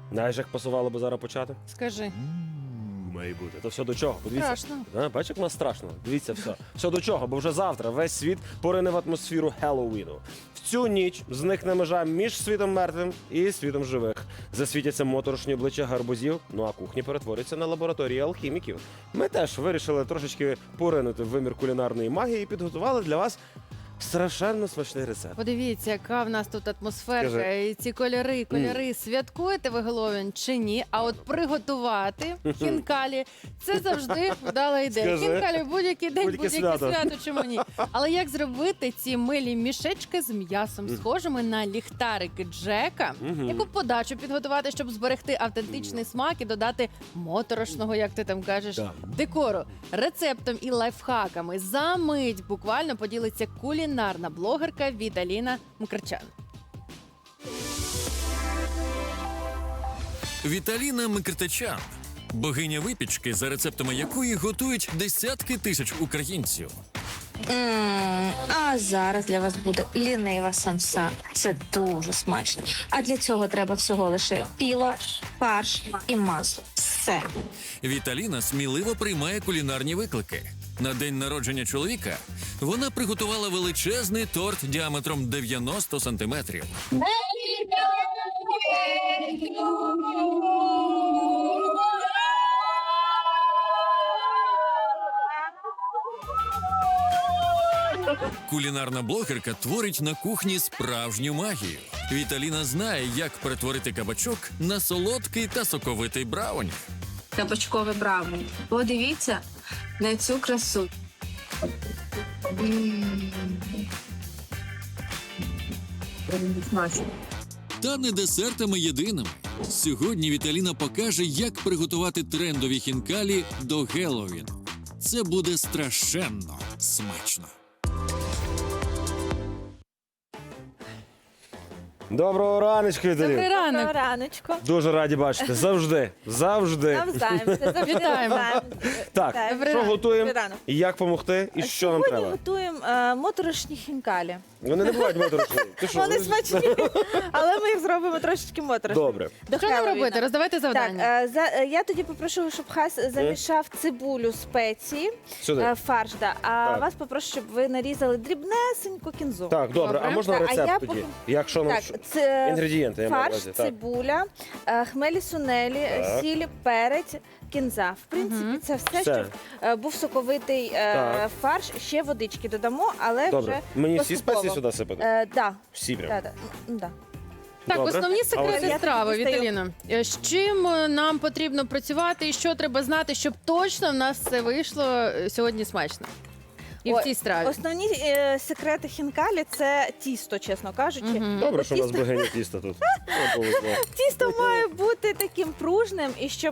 Знаєш, як пасувало би зараз почати? Скажи. Має бути. То все до чого? Подивіться. Страшно. Бачиш, як у нас страшно? Дивіться все. Все до чого, бо вже завтра весь світ порине в атмосферу Хеллоуіну. В цю ніч зникне межа між світом мертвим і світом живих. Засвітяться моторошні обличчя гарбузів, ну а кухні перетворяться на лабораторії алхіміків. Ми теж вирішили трошечки поринути в вимір кулінарної магії і підготували для вас страшенно смачний рецепт. Подивіться, яка в нас тут атмосферка, Скажи. і ці кольори. Святкуєте ви Геловін чи ні? А от приготувати хінкалі – це завжди вдала ідея. Скажи. Хінкалі будь-який день, Будь-яке будь-яке свято. свято, чому ні? Але як зробити ці милі мішечки з м'ясом, схожими на ліхтарики Джека? Яку подачу підготувати, щоб зберегти автентичний смак і додати моторошного, як ти там кажеш, Так. декору? Рецептом і лайфхаками за мить буквально поділиться кулінарна блогерка Віталіна Мкртчян. Віталіна Мкртчян – богиня випічки, за рецептами якої готують десятки тисяч українців. А зараз для вас буде лінива самса. Це дуже смачно. А для цього треба всього лише піла, фарш і масло. Все. Віталіна сміливо приймає кулінарні виклики. На день народження чоловіка вона приготувала величезний торт діаметром 90 сантиметрів. Кулінарна блогерка творить на кухні справжню магію. Віталіна знає, як перетворити кабачок на солодкий та соковитий брауні. Кабачкове брауні. Подивіться на цю красу. Смачно. Та не десертами єдиними. Сьогодні Віталіна покаже, як приготувати трендові хінкалі до Геловіну. Це буде страшенно смачно. Доброго раночку, Віталіна. Добрий ранок. Доброго раночку. Дуже раді бачити. Завжди. Завжди. Навзаєм. Завжди Вітаємо. навзаєм. Так, Вітаю. Добрий що ранок. готуємо? Добрий ранок. І як допомогти? І що нам Сьогодні треба? готуємо моторошні хінкалі. Вони не бувають моторошні. Ти що? Вони смачні, але ми їх зробимо трошечки моторошні. Добре. До Що нам Хеллоуіна. робити? Роздавайте завдання. Так, я тоді попрошу, щоб Хас замішав цибулю, спеції, Сюди. фарш, да. А Так. вас попрошу, щоб ви нарізали дрібнесеньку кінзу. Так, добре. Добре. А можна Так, а рецепт я тоді? поки- Якщо нам Так, це інгредієнти, я маю на фарш, увазі. Так. цибуля, хмелі сунелі, Так. сіль, перець, кінза. В принципі, це все, Все. щоб був соковитий Так. фарш. Ще водички додамо, але Добре. вже Мені всі поступово. спеції сюди сипати? Да. Всі прям. Да, да. Да. Так, Добре. основні А секрети ось- страви, Я тоді Віталіна. З чим нам потрібно працювати і що треба знати, щоб точно в нас все вийшло сьогодні смачно? І в Ой, цій страві. Основні секрети хінкалі – це тісто, чесно кажучи. Мгм. Добре, що у нас Тісто- богиня тіста тут. Ну, повезло. Тісто має бути таким пружним, і щоб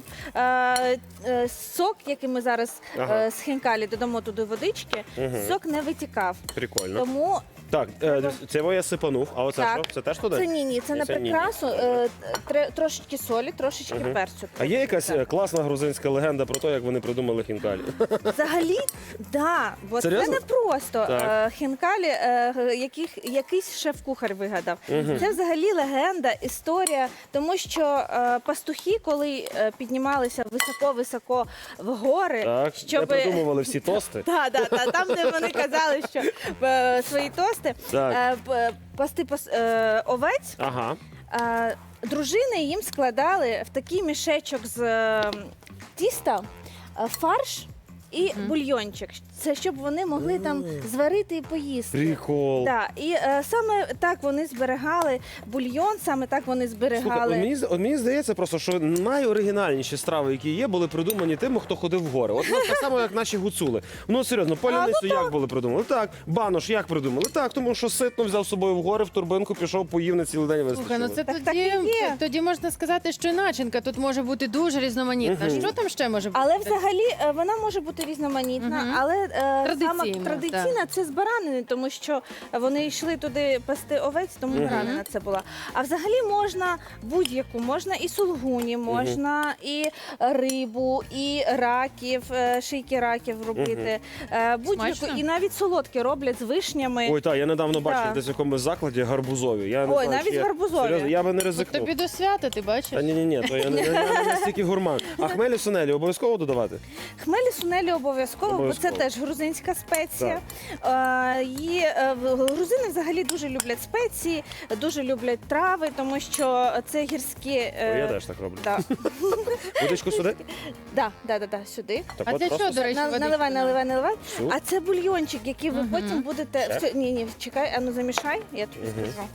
сок, який ми зараз Ага. з хінкалі додамо туди водички, сок не витікав. Прикольно. Тому Так, це я сипанув, а оце Так. що? Це теж туди? це ні, це на Це ні-ні. прикрасу. Трошечки солі, трошечки перцю. А є якась Так. класна грузинська легенда про те, як вони придумали хінкалі? Взагалі, да, бо це Серйозно? не просто Так. хінкалі, якийсь шеф-кухар вигадав. Це взагалі легенда, історія, тому що пастухи, коли піднімалися високо-високо в гори, Так, де придумували всі тости? там, де вони казали, що свої тости, Так. пасти овець, Ага. дружини їм складали в такий мішечок з тіста фарш і бульйончик. Це щоб вони могли там зварити і поїсти. Прикол. Так, і саме так вони зберігали бульйон, саме так вони Слухай, зберігали. от мені здається просто, що найоригінальніші страви, які є, були придумані тими, хто ходив в гори. От так само, як наші гуцули. Ну, серйозно, паляницю як були придумали? Так. Банош як придумали? Так, тому що ситно взяв з собою в гори, в турбинку, пішов, поїв на цілий день вистачило. Слухай, ну це Так тоді, і є. тоді можна сказати, що і начинка тут може бути дуже різноманітна. Що там ще може бути? Але взагалі вона може бути різноманітна, але Традиційно, традиційна це з баранини, тому що вони йшли туди пасти овець, тому баранина це була. А взагалі можна будь-яку, можна і сулгуні, можна і рибу, і раків, шийки раків робити. Будь-яку, Смачно. і навіть солодкі роблять з вишнями. Ой, так, я недавно бачив Да. десь в якомусь закладі гарбузові. Я не Ой, знаю, навіть чи я- гарбузові. Серйозно, я би не От ризикнув. тобі до свята, ти бачиш? Та ні, то я не настільки гурман. А хмелі сунелі обов'язково додавати? Хмелі сунелі обов'язково, бо Обов'язково. це теж грузинська спеція. Грузини взагалі дуже люблять спеції, дуже люблять трави, тому що це гірські. Я теж так роблю. Да. Водичку сюди? Да, сюди. Так А от для просто чого, до речі, водичку Наливай. Всю? А це бульйончик, який ви потім будете. Ще? Ні, чекай, ану замішай, я тобі скажу.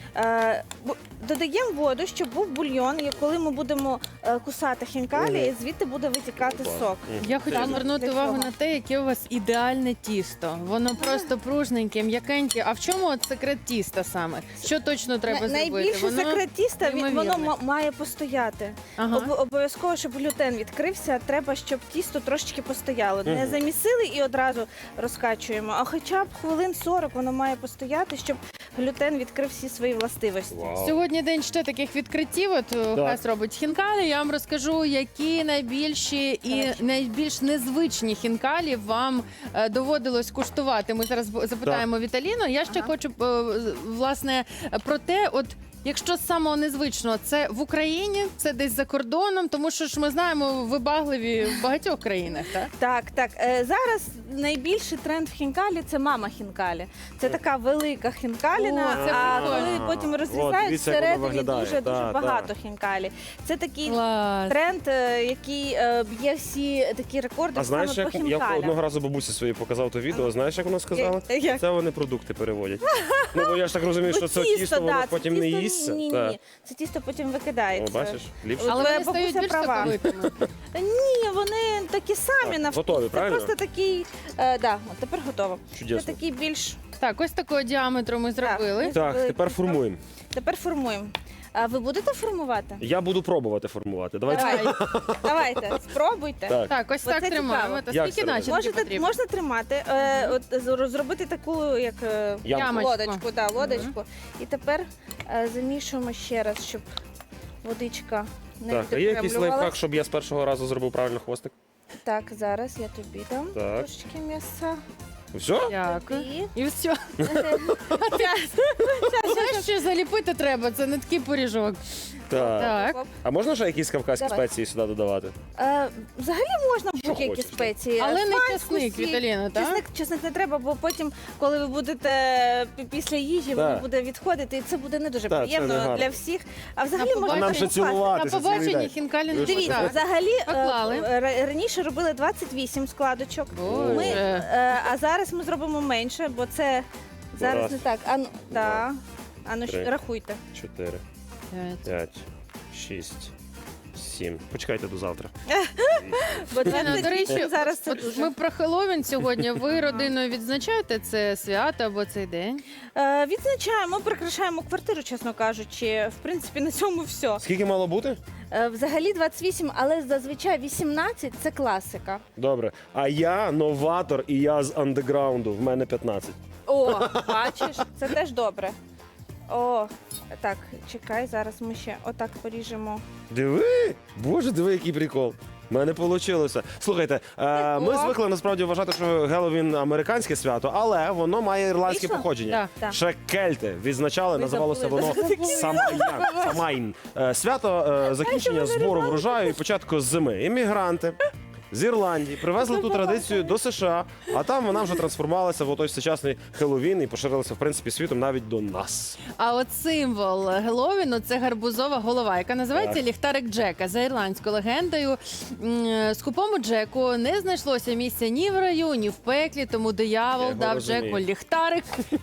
Додаємо воду, щоб був бульйон, і коли ми будемо кусати хінкалі, звідти буде витікати Клас. сок. Я хочу Саме звернути для увагу цього. на те, яке у вас ідеальне тісто. Воно просто пружненьке, м'якеньке. А в чому от секрет тіста саме? Що точно треба зробити? Найбільше секрет тіста, воно неймовірне. має постояти. Ага. Обов'язково, щоб глютен відкрився, треба, щоб тісто трошечки постояло. Не замісили і одразу розкачуємо, а хоча б хвилин 40 воно має постояти, щоб глютен відкрив всі свої властивості. Вау. Сьогодні день ще таких відкриттів. От Хас робить хінкалі. Я вам розкажу, які найбільші і найбільш незвичні хінкалі вам доводилось куштувати. Ми зараз запитаємо Віталіну. Я ще хочу власне про те, от. Якщо з самого незвичного, це в Україні, це десь за кордоном, тому що ж ми знаємо вибагливі в багатьох країнах, так? Так. Зараз найбільший тренд в хінкалі це мама хінкалі. Це така велика хінкаліна, О, це а прикольно. коли потім От, розрізають, дивіться, як воно всередині виглядає. дуже Да, багато хінкалі. Це такий Клас. тренд, який б'є всі такі рекорди А знаєш, саме по як я хінкалям. одного разу бабусі своїй показав то відео, знаєш, як вона сказала? Як? Це вони продукти переводять. Ну, бо я ж так розумію, що це Тісто, тісто, воно да, це потім не тісто- їсться. Ні, Так. це тісто потім О, викидається. бачиш, ліпше. Але Твоя вони стають бабуся більш права. соковитими. Ні, вони такі самі Так, на вкус. готові, Це правильно? просто такий, от тепер готово. Чудесно. Це такий більш. Так, ось такого діаметру ми зробили. Так, тепер формуємо. Тепер формуємо. А ви будете формувати? Я буду пробувати формувати. Давайте. Давайте, спробуйте. Так. Так, ось Оце так тримаємо. цікаво. Та Як скільки це начинки Можете, потрібно? можна тримати, зробити таку, як Ямочку. лодочку, да, лодочку. І тепер замішуємо ще раз, щоб водичка не Так, а є якийсь лайфхак, відокремлювалась. щоб я з першого разу зробив правильно хвостик? Так, зараз я тобі дам Так. трошечки м'яса. Все? Дякую. І І все. Знаєш, що заліпити треба? Це не такий поріжок. Так. Так. А можна ще якісь кавказькі Давай. спеції сюди додавати? Взагалі можна будь-які хочеш, спеції. Але не Смальську, чесник, сіль. Віталіна, так? Чесник не треба, бо потім, коли ви будете після їжі, Так. воно буде відходити, і це буде не дуже Так, це приємно не гарно. для всіх. А взагалі На можна побачення. Нам ще перекупати. На цілуватися цілий побаченні день. хінкалі не Дивіться, Дивіться, так. взагалі Поклали. раніше робили 28 складочок. Боже. Ми, а зараз ми зробимо менше, бо це зараз Раз. не так. Ану, Три. рахуйте. 4, П'ять. 5, 6, 7. Почекайте до завтра. Бо До 28 речі, зараз це от дуже. ми про Хеллоуін сьогодні. Ви родиною відзначаєте це свято або цей день? Відзначаємо, прикрашаємо квартиру, чесно кажучи. В принципі, на цьому все. Скільки мало бути? Взагалі 28, але зазвичай 18 – це класика. Добре. А я новатор і я з андеграунду. В мене 15. О, бачиш, це теж добре. О, так, чекай, зараз ми ще отак поріжемо. Диви! Боже, диви, який прикол. У мене вийшло. Слухайте, ми звикли насправді вважати, що Геловін американське свято, але воно має ірландське Вийшло? походження. Так. Ще кельти відзначали, Ви називалося забули. воно Самайн. Свято закінчення збору врожаю і початку зими. Іммігранти з Ірландії привезли ту традицію до США, а там вона вже трансформувалася в той сучасний Хеллоуін і поширилася в принципі світом навіть до нас. А от символ Геловіну – це гарбузова голова, яка називається Так. ліхтарик Джека. За ірландською легендою, скупому Джеку не знайшлося місця ні в раю, ні в пеклі, тому Я диявол його дав розумію. Джеку ліхтарик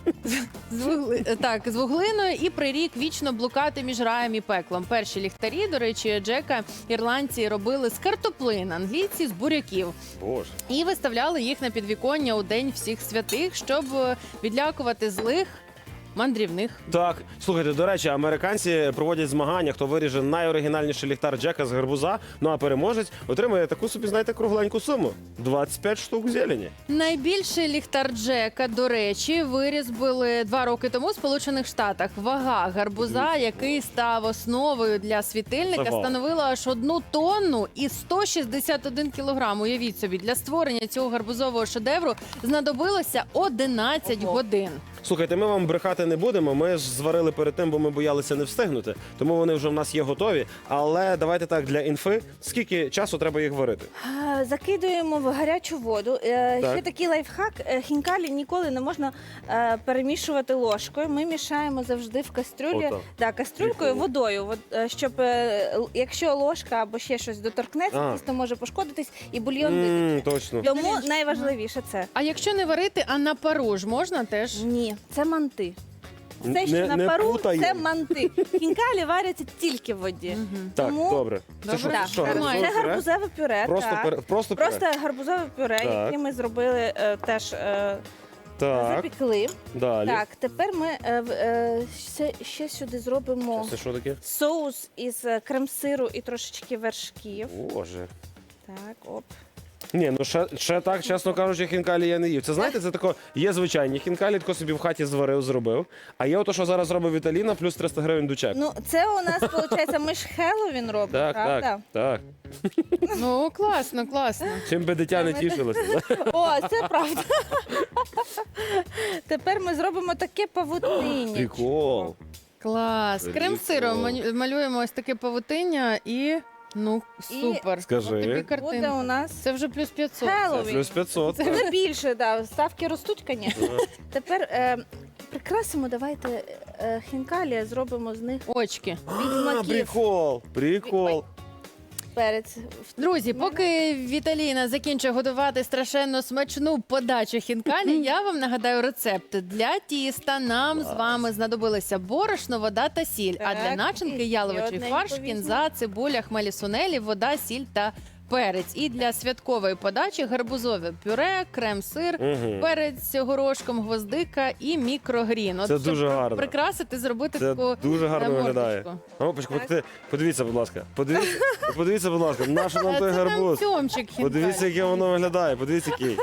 з вуглиною і прирік вічно блукати між раєм і пеклом. Перші ліхтарі, до речі, Джека ірландці робили з картоплин, англійці – з буряків. Боже. І виставляли їх на підвіконня у День всіх святих, щоб відлякувати злих мандрівних. Так, слухайте, до речі, американці проводять змагання, хто виріже найоригінальніший ліхтар Джека з гарбуза. Ну а переможець отримує таку собі, знаєте, кругленьку суму. 25 штук зелені. Найбільший ліхтар Джека, до речі, вирізбили 2 роки тому в Сполучених Штатах. Вага гарбуза, який став основою для світильника, Ого. становила аж 1 тонну і 161 кілограм. Уявіть собі, для створення цього гарбузового шедевру знадобилося 11 годин. Слухайте, ми вам брехати не будемо. Ми ж зварили перед тим, бо ми боялися не встигнути. Тому вони вже в нас є готові. Але давайте так, для інфи, скільки часу треба їх варити? Закидуємо в гарячу воду. Ще такий лайфхак. Хінкалі ніколи не можна перемішувати ложкою. Ми мішаємо завжди в кастрюлі. Отак. Да, кастрюлькою, Прикольно. водою. Щоб якщо ложка або ще щось доторкнеться, тісто може пошкодитись і бульйон витече. Точно. Тому найважливіше це. А якщо не варити, а на пару ж можна теж? Ні, це манти. Все, що Не- на не пару, путаємо. це манти. Хінкалі варяться тільки в воді. Так, Тому- добре. Це Добре. що, Так, гарбузове Це пюре? гарбузове пюре. Просто так. пюре? Просто пюре? Просто гарбузове пюре, Так. яке ми зробили теж Так, запікли. далі. Так, тепер ми ще сюди зробимо Це що таке? соус із крем-сиру і трошечки вершків. Боже. Так, оп. Ні, ну ще так, чесно кажучи, хінкалі я не їв. Це знаєте, це тако, є звичайні хінкалі, тако собі в хаті зварив, зробив. А є ото, що зараз робить Віталіна, плюс 300 гривень до чеку. Ну, це у нас, виходить, ми ж Хеллоуін робимо, Так, правда? так. Ну, класно, класно. Чим би дитя не тішилося. О, це правда. Тепер ми зробимо таке павутиння. Прикол. Клас. Прикол. Крем-сиром малюємо ось таке павутиння і, ну, супер. Скажи. Ось тобі Буде картинка. у нас Це вже плюс 500. Це Хеллоуін. плюс 500. так. Це більше, да. Ставки ростуть, звісно. Тепер прикрасимо, давайте хінкалі, зробимо з них Очки. А, відьмаків. прикол. Прикол. Перець. Друзі, поки Віталіна закінчує готувати страшенно смачну подачу хінкалі, я вам нагадаю рецепт. Для тіста нам з вами знадобилися борошно, вода та сіль. А для Так, начинки і яловичий одненько фарш, візьму. кінза, цибуля, хмелі сунелі, вода, сіль та перець. І для святкової подачі гарбузове пюре, крем-сир, Мгм. перець горошком, гвоздика і мікрогрін. От Це щоб дуже гарно. прикрасити, зробити Це таку дуже гарно мордочку. виглядає. Опачка, подивіться, будь ласка. Подивіться, будь ласка, наш нам той Це нам гарбуз. тьомчик хінкалі. Подивіться, яке воно виглядає. Подивіться, який.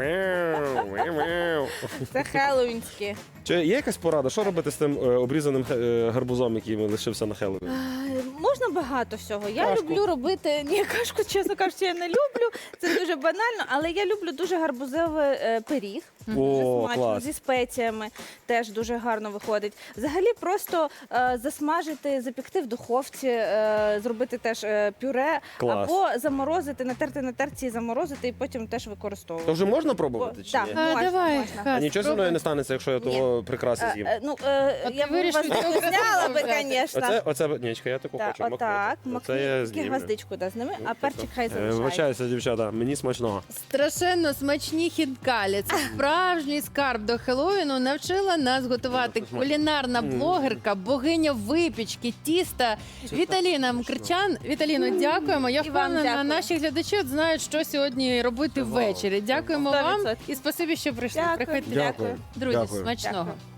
Це хеллоуінське. Чи є якась порада, що робити з тим обрізаним гарбузом, який лишився на Хеллоуін? Можна багато всього. Я Кашку. люблю робити. Ні, кашку, чесно кажучи, я не люблю. Це дуже банально, але я люблю дуже гарбузовий пиріг. Дуже О, смачно, клас. зі спеціями теж дуже гарно виходить. Взагалі просто засмажити, запікти в духовці, зробити теж пюре, Клас. або заморозити, натерти на терці і заморозити, і потім теж використовувати. То вже можна пробувати чи Так. ні? А, Можна, давай, можна. Хас, А нічого зі мною не станеться, якщо я того прикраси з'їм. От Я ти б у вирішив вас цього зняла би, взяти. звісно. Оце, нічка, я таку Так, хочу. отак, Оце я макни, знімлю. гвоздичку да, зними, а перчик хай залишається. Вибачаюся, дівчата, мені смачного. Страшенно смачні хінкалі. Це справжній скарб до Хеллоуіну. Навчила нас готувати кулінарна блогерка, богиня випічки, тіста Віталіна Мкрчан. Віталіно, дякуємо. Я І вам впевнена, дякую. наші глядачі от знають, що сьогодні робити ввечері. Дякуємо вам 100%. і спасибі, що прийшли. Дякую. Приходьте. Дякую. Друзі, Дякую. смачного. Дякую.